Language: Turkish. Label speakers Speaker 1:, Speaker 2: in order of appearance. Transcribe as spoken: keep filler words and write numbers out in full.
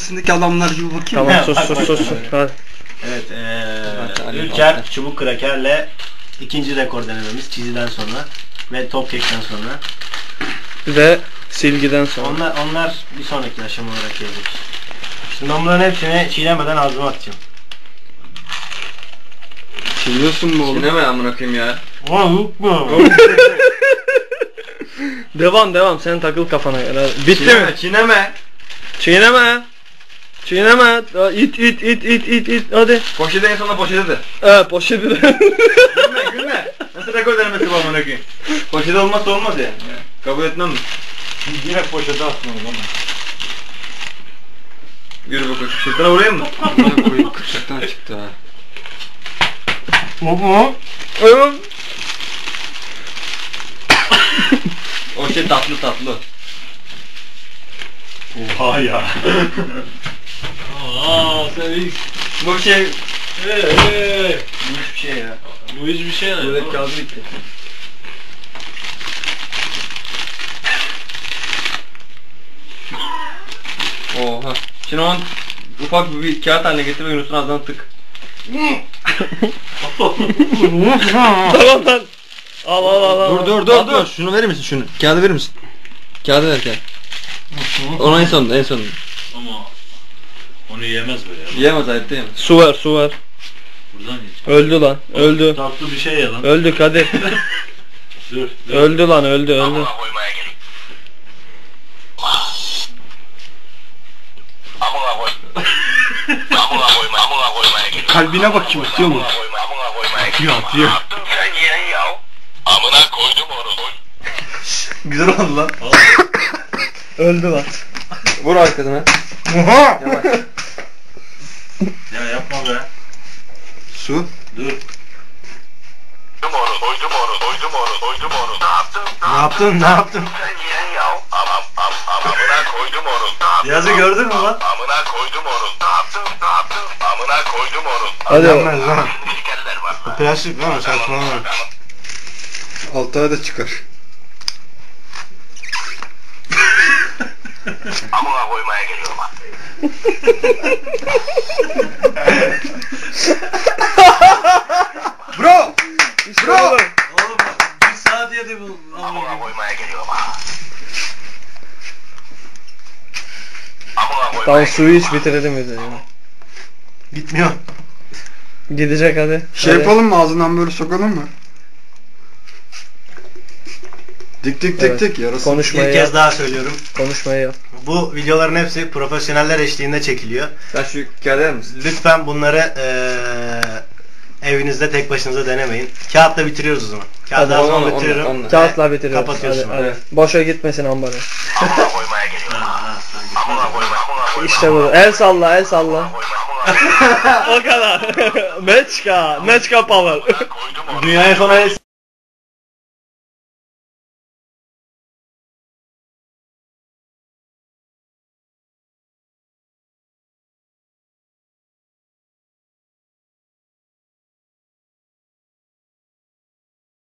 Speaker 1: içerisindeki adamlar gibi bakayım.
Speaker 2: Tamam sus sus sus. Hadi.
Speaker 3: Evet, ee, Ülker çubuk krakerle ikinci rekor denememiz çiziden sonra ve top kekten sonra.
Speaker 2: Ve silgiden sonra.
Speaker 3: Onlar onlar bir sonraki aşama olarak gelecek. Şimdi ben bunların hepsini çiğnemeden ağzıma atacağım.
Speaker 1: Çiğniyorsun mu oğlum?
Speaker 4: Çiğneme amına koyayım ya.
Speaker 3: Aa yok mu?
Speaker 2: Devam devam sen takıl kafana göre. Bitti
Speaker 4: Çiğneme,
Speaker 2: mi?
Speaker 4: çiğneme.
Speaker 2: Çiğneme. Çiğneme. İt it it it it it hadi.
Speaker 4: Poşete en sonunda poşete de.
Speaker 2: Evet poşeti de.
Speaker 4: Gülme gülme. Nasıl rekor denemesi bu amına koyayım? Poşete olmazsa olmaz ya. Kabul etmem mi?
Speaker 3: Direkt poşete atma o zaman.
Speaker 4: Yürü bakalım. Sırtına vurayım mı?
Speaker 1: Amına koyayım kırşaktan çıktı ha.
Speaker 3: Baba.
Speaker 4: O şey tatlı tatlı.
Speaker 3: Oha ya.
Speaker 5: Aa sen ilk.
Speaker 4: Bu bir şey.
Speaker 5: Hey hey.
Speaker 4: Bu hiçbir şey ya.
Speaker 5: Bu hiçbir şey ne?
Speaker 4: Böyle kağıdı bitti. Oha. Şimdi onu ufak bir, bir kağıt haline getir ve Yunus'un ağzına tık.
Speaker 2: Tamam lan. Al al al al.
Speaker 4: Dur dur dur dur. Şunu verir misin şunu? Kağıdı verir misin? Kağıdı ver kağıdı. Onu en sonunda en sonunda.
Speaker 5: Ama onu yemez böyle ya.
Speaker 4: Yiyemez hayatta yiyemez.
Speaker 2: Su ver su ver.
Speaker 5: Buradan yiyecek.
Speaker 2: Öldü lan. Öldü.
Speaker 5: Tatlı bir şey ya lan.
Speaker 2: Öldük hadi.
Speaker 5: Dur. dur.
Speaker 2: Öldü lan öldü öldü.
Speaker 1: Kalbine bakayım atıyor mu? Atıyor atıyor.
Speaker 4: Güzel oldu lan.
Speaker 2: Öldü lan.
Speaker 4: Vur arkasına.
Speaker 3: Oha.
Speaker 4: Yavaş.
Speaker 5: Ya yapma be.
Speaker 1: Su.
Speaker 5: Dur.
Speaker 3: Ne yaptın? Ne yaptın? Yazı gördün mü lan?
Speaker 2: Hadi.
Speaker 3: Gelmez lan. Bu plastik lan saçmalama.
Speaker 1: Altı ay da çıkar.
Speaker 3: Bro!
Speaker 2: Bro.
Speaker 5: Oğlum bir saat yedi bu.
Speaker 2: Tamam suyu iç bitirelim bir de ya.
Speaker 3: Gitmiyor.
Speaker 2: Gidecek hadi.
Speaker 1: Şey
Speaker 2: Hadi.
Speaker 1: yapalım mı, ağzından böyle sokalım mı? Dik dik dik
Speaker 2: Evet.
Speaker 1: dik yarası.
Speaker 2: Konuşmayı
Speaker 3: Bir
Speaker 2: yap.
Speaker 3: kez daha söylüyorum.
Speaker 2: Konuşmayı yap.
Speaker 3: Bu videoların hepsi profesyoneller eşliğinde çekiliyor.
Speaker 4: Sen şu kağıdı verir misin?
Speaker 3: Lütfen bunları eee evinizde tek başınıza denemeyin. Kağıtla bitiriyoruz o zaman. Kağıdı
Speaker 2: Hadi,
Speaker 3: ağzıma
Speaker 4: onunla,
Speaker 3: bitiriyorum.
Speaker 4: onunla, onunla.
Speaker 2: Kağıtla bitiriyoruz.
Speaker 3: Kapatıyorsun.
Speaker 2: Hadi, hadi.
Speaker 4: Evet.
Speaker 2: Boşa gitmesin ambarı.
Speaker 5: Ha, sen
Speaker 2: İşte bu. El salla el salla. O kadar. Meçka. Meçka power.
Speaker 3: Dünyaya sona